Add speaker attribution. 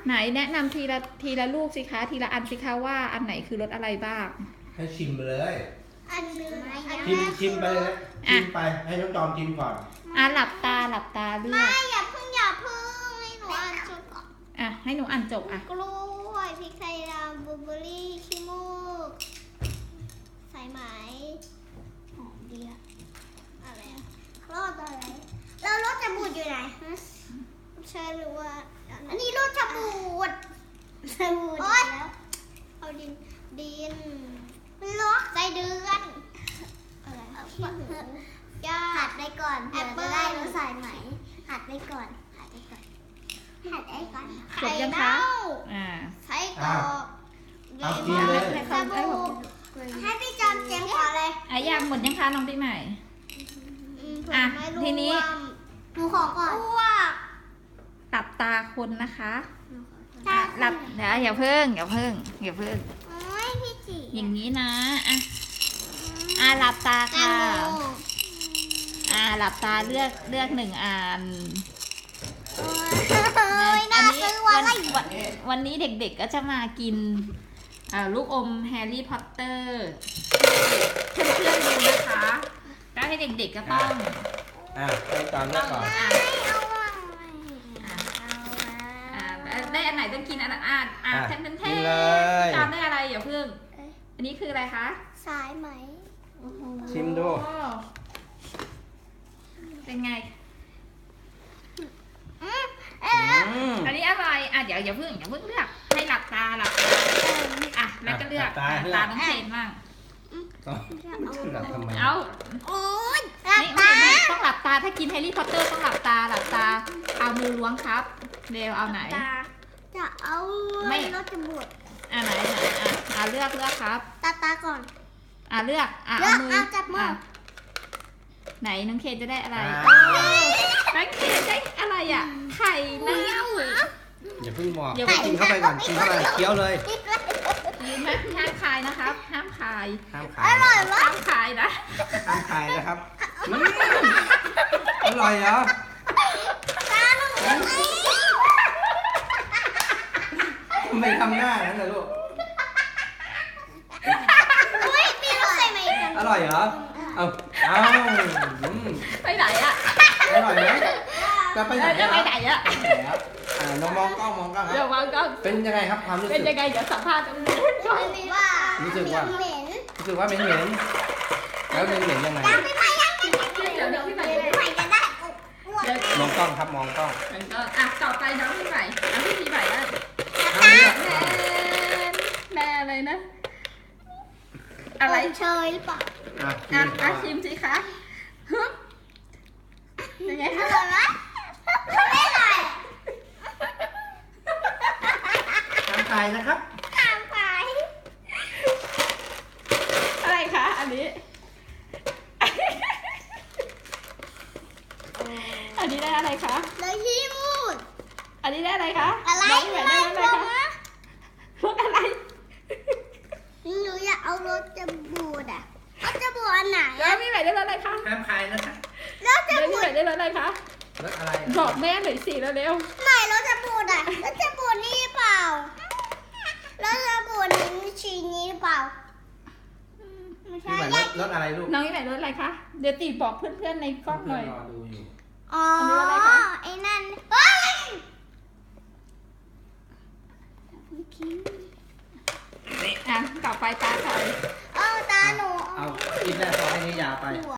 Speaker 1: ไหนแนะนำทีละลูกสิคะทีละอันสิคะว่าอันไหนคือรสอะไรบ้าง
Speaker 2: ให้ชิมไปเลย
Speaker 3: อันนึง
Speaker 2: ชิมไปเลยชิมไปให้น้องจอมกินก่อน
Speaker 1: หลับตาเลือก
Speaker 3: ไม่อย่าเพิ่งให้หนูอ่านจบก่อน
Speaker 1: ให้หนูอ่านจบ
Speaker 3: กล้วยพริกไทยดำบลูเบอร์รี่ขี้มูกสายไหมหอมเดียอะไรรสอะไรแล้วรสจะบูดอยู่ไหนใช่หรือว่าอันนี้รสจะบูดแล้วเอาดินรสใจเดือนอะไรหัดได้ก่อนเดี๋ยวจะได้รสสายไหมหัดได้ก่อน
Speaker 1: จบยังคะ
Speaker 3: ไส้กรอก
Speaker 2: เอากินเลย
Speaker 3: สบู่ให้พี่จอมเจมก่อนเลย
Speaker 1: ยังหมดยังคะน้องปีใหม่ทีนี้
Speaker 3: หนูขอก่อน
Speaker 1: หลับตาคนนะคะหลับเดี๋ยวอย่าเพิ่ง
Speaker 3: พี่จี
Speaker 1: อย่างนี้นะหลับตาค่ะหลับตาเลือกหนึ่งอันวันนี้เด็กๆก็จะมากินลูกอมแฮร์รี่พอตเตอร์เพื่อนๆดูนะคะแล้วให้เด็กๆก็ต้อง
Speaker 2: ให้ตามก่อน
Speaker 1: ได้อันไหนต้องกินอันแทนจำได้อะไรอย่าเพิ่งอันนี้คืออะไรคะ
Speaker 3: สายไหม
Speaker 2: ชิมดู
Speaker 1: เป็นไงอันนี้อะไรเดี๋ยวอย่าเพิ่งเลือกให้หลับตาแล้วก็เลือกตาน้องเชนบ้าง
Speaker 2: เอา
Speaker 3: โอ๊ย
Speaker 1: ไม่ต้องหลับตาถ้ากินแฮร์รี่พอตเตอร์ต้องหลับตาเอามือล้วงครับเร็วเอาไหน
Speaker 3: จะเอาไม่รสจะบวด
Speaker 1: ไหนเลือกครับ
Speaker 3: ตาก่อน
Speaker 1: เลือก
Speaker 3: เอามือจับมือ
Speaker 1: ไหนน้องเคนจะได้อะไรน้องเคนได้อะไรไข่นะ
Speaker 2: อย่าเพิ่งบอกกินเข้าไปก่อนกินเข้าไปเคี้ยวเลย
Speaker 1: ยืนไหมห้ามคายนะครับห้ามคาย
Speaker 3: อร่อยมาก
Speaker 1: ห้ามคายนะ
Speaker 2: ห้ามคายนะครับอร่อยเหรอทำไมทำหน้านั้นล่ะลูกอร่อยเหรอเอา
Speaker 1: ไปไหน
Speaker 2: อร่อยไหมจะไปไหนน้องมองกล้องครับเป็นยังไงครับความรู้สึก
Speaker 1: เป็นยังไงเดี๋ยวสัมภาษณ์ตรงนู้นก่อน
Speaker 2: รู้สึกว่าเหม็นแล้วเหม็นยังไง
Speaker 1: เดี๋ยวพี่ใหม่
Speaker 3: จะได้
Speaker 2: มองกล้องครับมองกล้อง
Speaker 1: ต่อไปน้องพี่ใหม่แล้วแม่อะไรนะอะไร
Speaker 3: เชยหรือเปล่า
Speaker 1: ชิมสิคะยังไงคะ
Speaker 3: ไม่ไหว
Speaker 2: ทำไข่นะครับ
Speaker 1: อะไรคะอันนี้ได้อะไรคะ
Speaker 3: เลยที่มูด
Speaker 1: อันนี้ได้อะไรคะ
Speaker 3: อะไร
Speaker 1: ได้อะไรคะรสอะไร
Speaker 3: หนูอยากเอารสจะบูดเอาจะบูดอันไหน
Speaker 1: แล้วพี่ใหม่ได้รสอะไรคะ
Speaker 2: ห้ามคายนะคะ
Speaker 3: แล้วจะบูด
Speaker 1: ได้รสอะไรคะ
Speaker 2: รสอะไร
Speaker 1: บอกแม่หน่อยสิเร็ว
Speaker 3: ไหนรสจะบูดรสจะบูดนี่เปล่ารสจะบูดนี้ชีนี้เปล่า
Speaker 2: ไม่ใช่รสอะไรลูก
Speaker 1: น้องพี่ใหม่รสอะไรคะเดี๋ยวตีบอกเพื่อนๆในกล้องหน่อย
Speaker 3: ไอ้นั่นเฮ้ย
Speaker 1: ต่อไปตาใคร
Speaker 3: ตาหนู
Speaker 2: เอากินแม่ซอให้นี่ยาไป
Speaker 3: หัว